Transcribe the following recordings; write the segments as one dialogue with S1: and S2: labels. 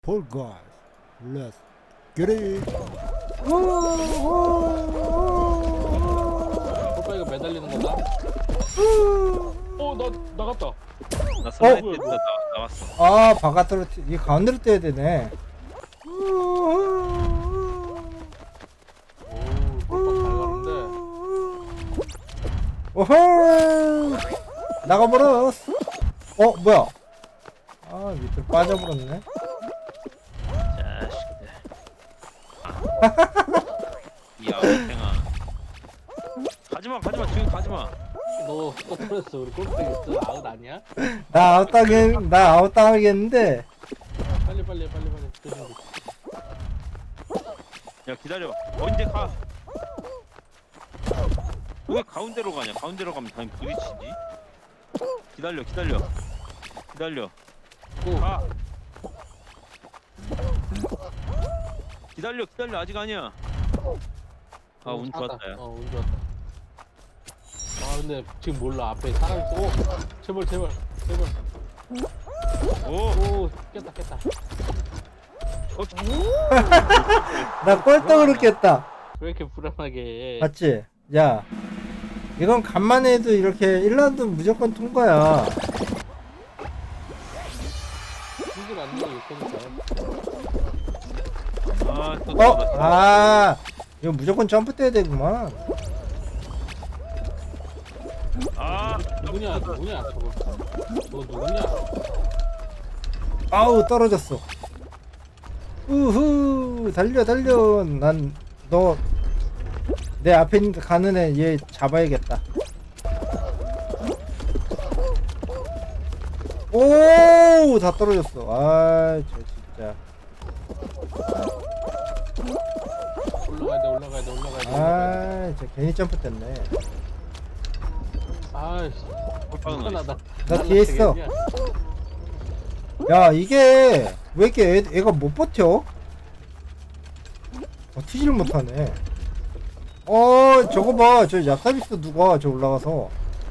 S1: Poor guys, let's get it.
S2: 폴파이가 매달리는 거다? 나 나갔다.
S3: 나 슬라이드 했다 나왔어.
S1: 아, 바깥으로 이 가운데로 떼야 되네.
S2: 오, 폴파 잘 가는데.
S1: 오호! 나가버렸어. 뭐야? 아, 밑으로 빠져버렸네.
S3: 자식들. 이 아웃탱아. 가지마 지금 가지마.
S2: 너 떨어졌어. 우리 골프백 있어. 아웃 아니야?
S1: 나 아웃당하겠는데.
S2: 빨리. 조심.
S3: 야 기다려. 언제 가? 왜 가운데로 가냐? 가운데로 가면 당연히 부딪히지. 기다려.
S2: 고.
S3: 가. 기다려 아직 아니야. 아 운 좋았다 야.
S2: 운 좋았다. 아 근데 지금 몰라. 앞에 사람 있어. 오, 제발.
S3: 오.
S2: 오, 깼다.
S1: 나 꼴등으로 깼다.
S2: 왜 이렇게 불안하게 해?
S1: 맞지? 야, 이건 간만에 해도 이렇게 1라운드 무조건 통과야.
S2: 힘들 안 내고 있으니까.
S3: 아또
S1: 이거 무조건 점프 떼야 되구만.
S2: 누구냐 저거. 너 누구냐?
S1: 아우, 떨어졌어. 우후, 달려. 난 너 내 앞에 있는 가는 애 얘 잡아야겠다. 오, 다 떨어졌어. 저 진짜.
S2: 올라가야 돼.
S1: 저 괜히 점프 뗐네.
S2: 아이씨.
S3: 꼴빵은
S1: 나 뒤에 있어. 야, 이게 왜 이렇게 애가 못 버텨? 튀지를 못하네. 저거 봐. 저 얍삽있어 누가 저 올라가서.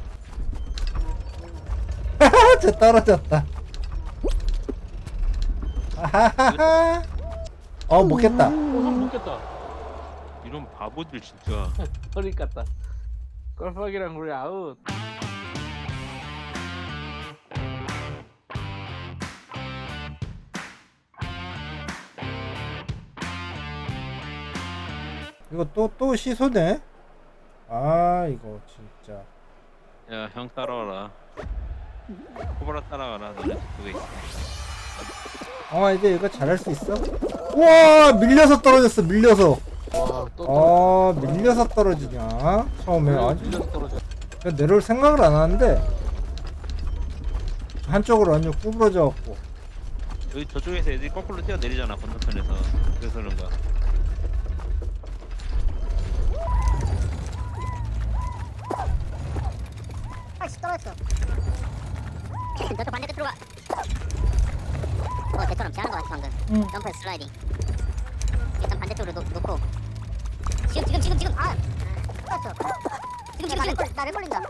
S1: 저 떨어졌다. 아하하하. 못 깼다.
S2: 형 못겠다.
S3: 이런 바보들 진짜.
S2: 허리 깠다. 골프박이랑 우리 아웃.
S1: 이거 또 시소네? 이거 진짜.
S3: 야 형 따라와라. 코브라 따라가라. 너네 그거 있어.
S1: 이제 이거 잘할 수 있어? 우와, 밀려서 떨어졌어. 밀려서.
S2: 와, 또
S1: 밀려서 떨어지냐? 처음에 아주
S2: 밀려서 떨어져.
S1: 내려올 생각을 안 하는데 한쪽으로 완전 구부러져 갖고.
S3: 여기 저쪽에서 애들이 거꾸로 뛰어내리잖아 건너편에서. 그래서 그런가.
S4: 아이씨 떨어졌어. 너도 반대로 들어가. 대처럼 잘하는 거 같아 방금. 점프 슬라이딩. 일단 반대쪽으로 놓고. 지금. 떨어졌어. 지금. 나를 걸린다.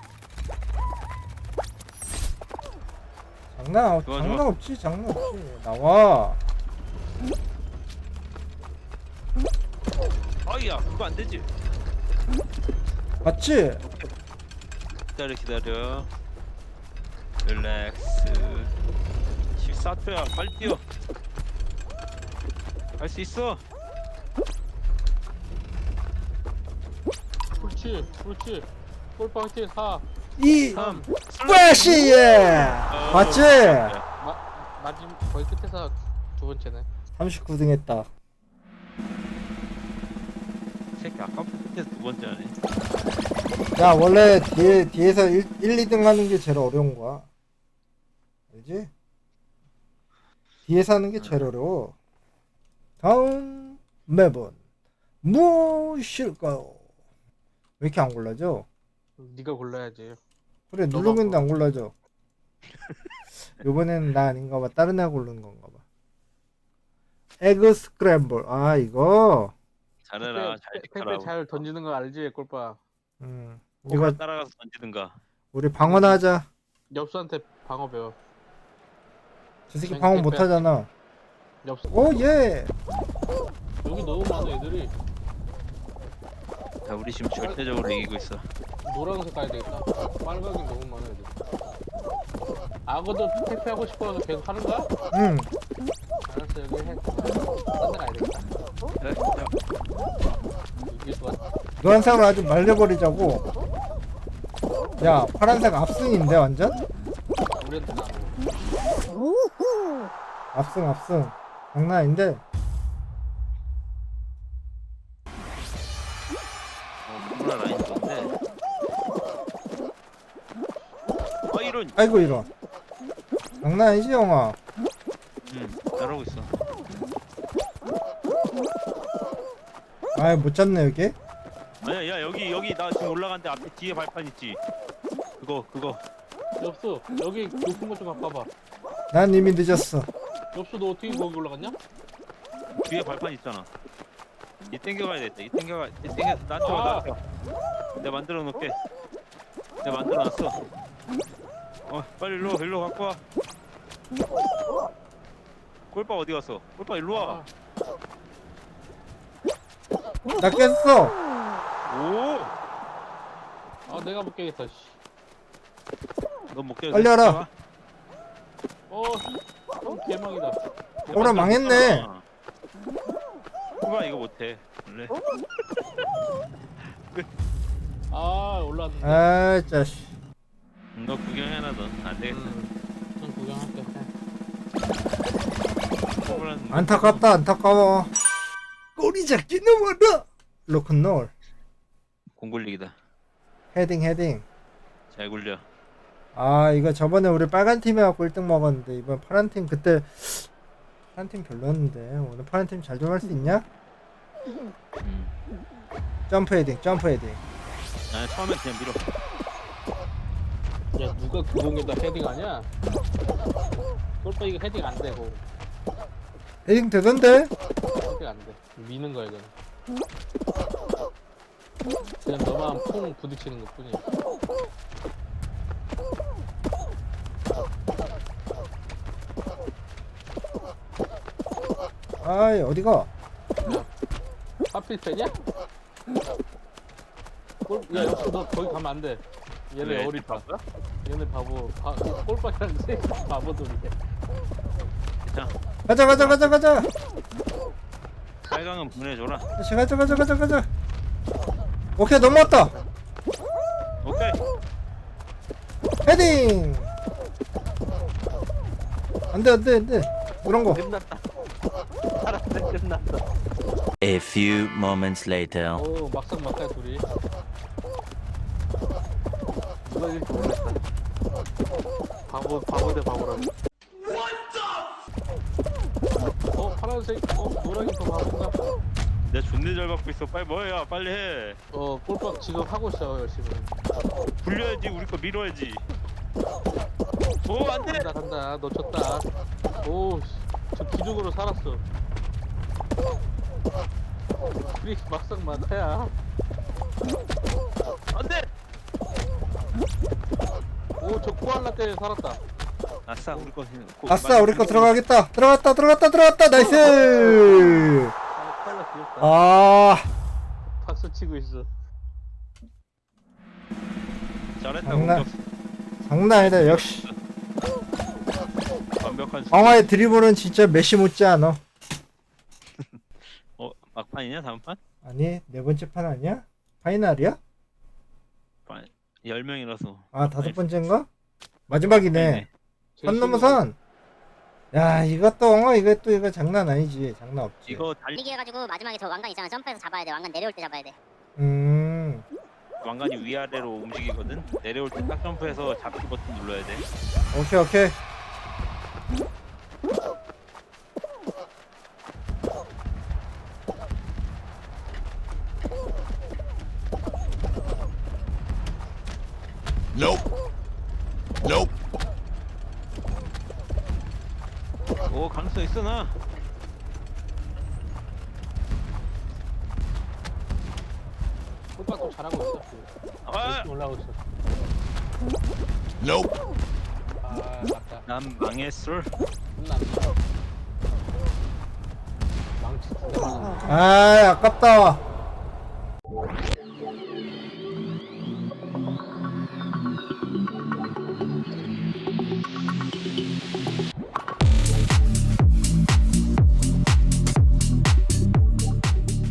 S1: 장난 없지. 나와.
S3: 아이야 그거 안 되지.
S1: 맞지?
S3: 기다려. 릴렉스. 14초야 빨리 뛰어. 할 수 있어.
S2: 그렇지. 골프 화이팅 4,
S1: 3
S2: 3.
S1: 플래시. 맞지?
S2: 마지막 거의 끝에서 두 번째네.
S1: 39등 했다.
S3: 새끼 아까부터 끝에서 두 번째 하네.
S1: 야, 원래 뒤에서 1, 2등 하는 게 제일 어려운 거야. 알지? 뒤에서 하는 게 제일 어려워. 다음 맵은 무엇일까요? 왜 이렇게 안 골라져?
S2: 네가 골라야지.
S1: 그래,
S2: 너가
S1: 누르는데 안 골라져. 요번에는 나 아닌가 봐. 다른 애가 고르는 건가 봐. 에그 스크램블. 이거.
S3: 잘해라. 잘
S2: 택배
S3: 지켜라.
S2: 잘 던지는 거 알지 골파?
S1: 이거
S3: 이거 따라가서 던지든가.
S1: 우리 방어나 하자.
S2: 엽수한테 방어 배워.
S1: 저 새끼 방어 못 하잖아.
S2: 없어.
S1: 오 예.
S2: 여기 너무 많아 애들이.
S3: 자, 우리 지금 절대적으로 이기고 있어.
S2: 노란색 가야 되겠다. 빨강이 너무 많아 애들. 악어도 택배하고 싶어서 계속 하는 거야?
S1: 응.
S2: 알았어 여기 해. 딴데 가야 되겠다.
S3: 야,
S2: 이길 것 같아.
S1: 노란색으로 아주 말려버리자고. 야 파란색 압승인데 완전?
S2: 우리한테 나고.
S1: 압승 장난 아닌데.
S3: 코브라 라인 좋은데. 아, 이런.
S1: 아이고 이런. 장난 아니지 영아.
S3: 잘하고 있어.
S1: 아이 못 잡네 여기.
S3: 아니야, 야, 여기 나 지금 올라갔는데 앞에 뒤에 발판 있지. 그거.
S2: 엽수 여기 높은 거 좀 바꿔봐.
S1: 난 이미 늦었어.
S2: 엽수 너 어떻게 거기 올라갔냐?
S3: 뒤에 발판 있잖아. 이 땡겨가야 돼. 이 땡겨. 나한테. 내가 만들어 놓을게. 내가 만들어 놨어. 빨리 일로 갖고 와. 꼴빠 어디 갔어? 꼴빠 일로 와.
S1: 나 깼어.
S3: 오!
S2: 아 내가 못 깨겠다. 씨.
S3: 너 못 깨.
S1: 빨리 와라.
S2: 개망이다.
S1: 오라 망했네.
S3: 꼴빠 이거 못해. 원래.
S2: 아 올라왔는데.
S1: 아 짜식.
S3: 너 구경해놔 넌. 안 되겠어.
S2: 좀 구경할게.
S3: 꼴빠는
S1: 안타깝다 안타까워. 꼬리 잡기 너무하다. 로큰롤.
S3: 공굴리기다.
S1: 헤딩.
S3: 잘 굴려.
S1: 아 이거 저번에 우리 빨간 팀에 갖고 1등 먹었는데 이번 파란 팀 그때 파란 팀 별로였는데 오늘 파란 팀 잘 좀 할 수 있냐? 점프 헤딩.
S3: 아, 처음에 그냥 밀어.
S2: 야 누가 교공에다 헤딩하냐? 골파 이거 헤딩 안 되고.
S1: 헤딩 되던데?
S2: 헤딩 안 돼. 미는 거야 이건. 그냥 너만 퐁 부딪히는 것 뿐이야.
S1: 아이 어디가?
S2: 하필 패냐? 야 역시 너 거기 가면 안 돼. 얘네
S3: 왜?
S2: 어리다. 얘네 골파이랑 세 바보들이야.
S3: 자,
S1: 가자.
S3: 빨강은 보내줘라.
S1: 가자. 오케이 넘어왔다.
S3: 오케이.
S1: 헤딩. 안돼. 그런 거.
S2: 끝났다. 알았네 끝났다.
S5: A few moments later.
S2: 오 막상 막하 둘이. 누가 이렇게 놀랬다. 바보 대 바보라고. 파란색 노랑이 더 바본가?
S3: 내가 존내 잘 받고 있어. 빨리 뭐야? 빨리 해.
S2: 골박 지금 하고 있어 열심히.
S3: 굴려야지. 우리 거 밀어야지. 오, 안 돼.
S2: 간다 놓쳤다. 저 기둥으로 살았어. 그리 막상 막하야.
S3: 안 돼.
S2: 저 코알라 때문에 살았다.
S3: 아싸, 우리 거.
S1: 아싸 우리 거 들어가겠다. 들어갔다. 나이스.
S2: 코알라 귀엽다.
S1: 아
S2: 박수 치고 있어.
S3: 잘했다.
S1: 장난.
S3: 공격.
S1: 장난 아니다. 역시
S3: 완벽한.
S1: 광화의 드리블은 진짜 메시 못지 않아.
S3: 막판이냐? 다음 판?
S1: 아니 네 번째 판 아니야? 파이널이야?
S3: 10명이라서.
S1: 아 다섯 번째인가? 마지막이네. 선 넘어 선. 야 이것도 이거 장난 아니지. 장난 없지.
S3: 이거 달리.
S4: 달리기 해가지고 마지막에 저 왕관 있잖아. 점프해서 잡아야 돼. 왕관 내려올 때 잡아야 돼.
S3: 왕관이 위아래로 움직이거든. 내려올 때 딱 점프해서 잡기 버튼 눌러야 돼.
S1: 오케이.
S3: 오, 가능성 있어 나.
S2: 골박도 잘하고 있어.
S3: 아,
S2: 열심히 올라오고 있어. 아 맞다.
S3: 난 망했어.
S2: 끝났네.
S1: 아, 아깝다.